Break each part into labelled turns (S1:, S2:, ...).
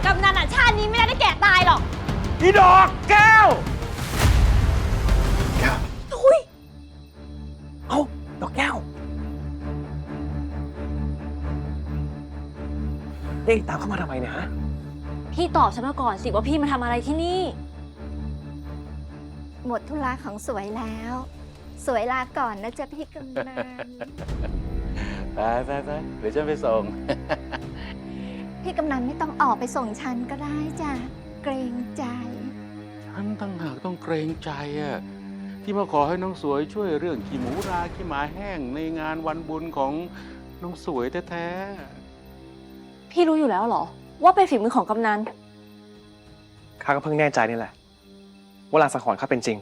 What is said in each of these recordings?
S1: กำนันชาตินี้ไม่ได้แก่ตายหรอก
S2: อีดอกแก้ว
S1: ทุย
S2: เอ้าดอกแก้วเอ๊ะตามเข้ามาทำไมเนี่ยฮะ
S1: พี่ตอบฉันมาก่อนสิว่าพี่มาทำอะไรที่นี่
S3: หมดธุระของสวยแล้ว สวยลาก่อนนะจ๊ะพี่กำนัน
S2: ไปเดี๋ยวฉันไปส่ง
S3: พี่กำนันไม่ต้องออกไปส่งฉันก็ได้จ้ะเกรงใจ
S4: ฉันตั้งหากต้องเกรงใจอะที่มาขอให้น้องสวยช่วยเรื่องขี้หมูราขี้หมาแห้งในงานวันบุญของน้องสวยแท้ๆ
S1: พี่รู้อยู่แล้วเหรอว่าเป็นฝีมือของกำนัน
S2: ข้าก็เพิ่งแน่ใจนี่แหละว่าลางสังหรณ์ข้าเป็นจริง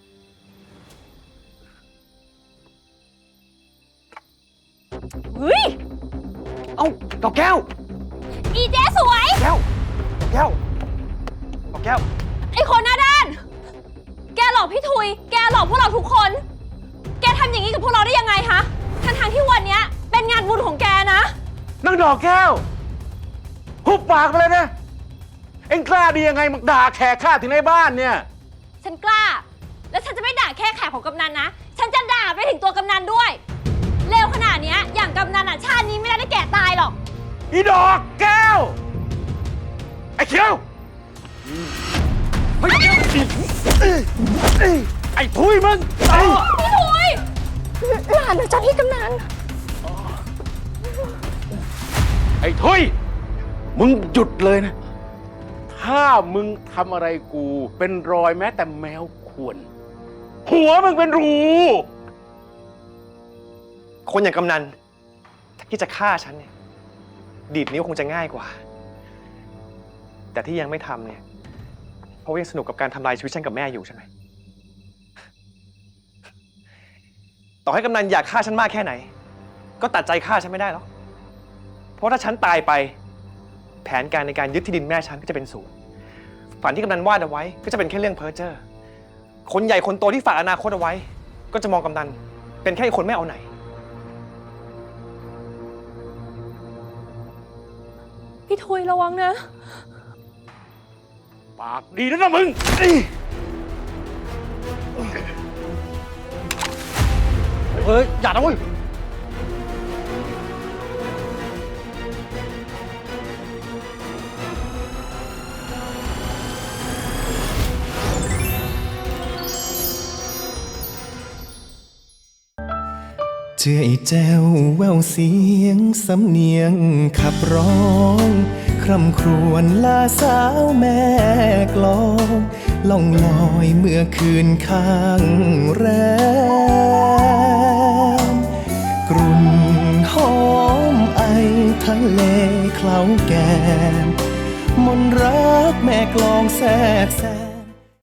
S1: เฮ้ย
S2: เอ้าดอกแก้ว
S1: อีเจ๊สวย
S2: แก้วดอกแก้ว
S1: ไอ้คนหน้าด้านแกหลอกพี่ทุยแกหลอกพวกเราทุกคนแกทำอย่างนี้กับพวกเราได้ยังไงฮะทั้งที่วันนี้เป็นงานบุญของแกนะ
S2: นางดอกแก้วหุบปากไปเลยนะเอ็งกล้าดียังไงมาด่าแขกข้าถึงในบ้านเนี่ย
S1: ฉันกล้าและฉันจะไม่ด่าแค่แขกของกำนันนะฉันจะด่าไปถึงตัวกำนันด้วยเลวขนาดนี้อย่างกำนันชาตินี้ไม่ได้แก่ตายหรอก
S2: อีดอกแก้วไอ้เขียวไอ้ทุยมึง
S1: พี่ทุย
S3: หลานนะจ๊ะพี่กำนัน
S4: ไอ้ทุยมึงหยุดเลยนะถ้ามึงทำอะไรกูเป็นรอยแม้แต่แมวข่วน
S2: หัวมึงเป็นรูคนอย่างกำนันถ้าคิดจะฆ่าฉันเนี่ยดีดนิ้วคงจะง่ายกว่าแต่ที่ยังไม่ทำเนี่ยเพราะว่ายังสนุกกับการทำลายชีวิตฉันกับแม่อยู่ใช่ไหมต่อให้กำนันอยากฆ่าฉันมากแค่ไหนก็ตัดใจฆ่าฉันไม่ได้หรอกเพราะถ้าฉันตายไปแผนการในการยึดที่ดินแม่ฉันก็จะเป็นศูนย์ฝันที่กำนันวาดเอาไว้ก็จะเป็นแค่เรื่องเพ้อเจ้อคนใหญ่คนโตที่ฝากอนาคตเอาไว้ก็จะมองกำนันเป็นแค่คนไม่เอาไหน
S1: พี่ทุยระวังนะ
S4: ปากดีนะมึง
S2: เฮ้ยอย่านะเว้ย
S5: เจือไอ้แจ้วแววเสียงสำเนียงขับร้องคร่ำครวญลาสาวแม่กลองล่องลอยเมื่อคืนข้างแรมกรุ่นหอมไอทะเลเคล้าแก้มมนรักแม่กลองแทรกแซง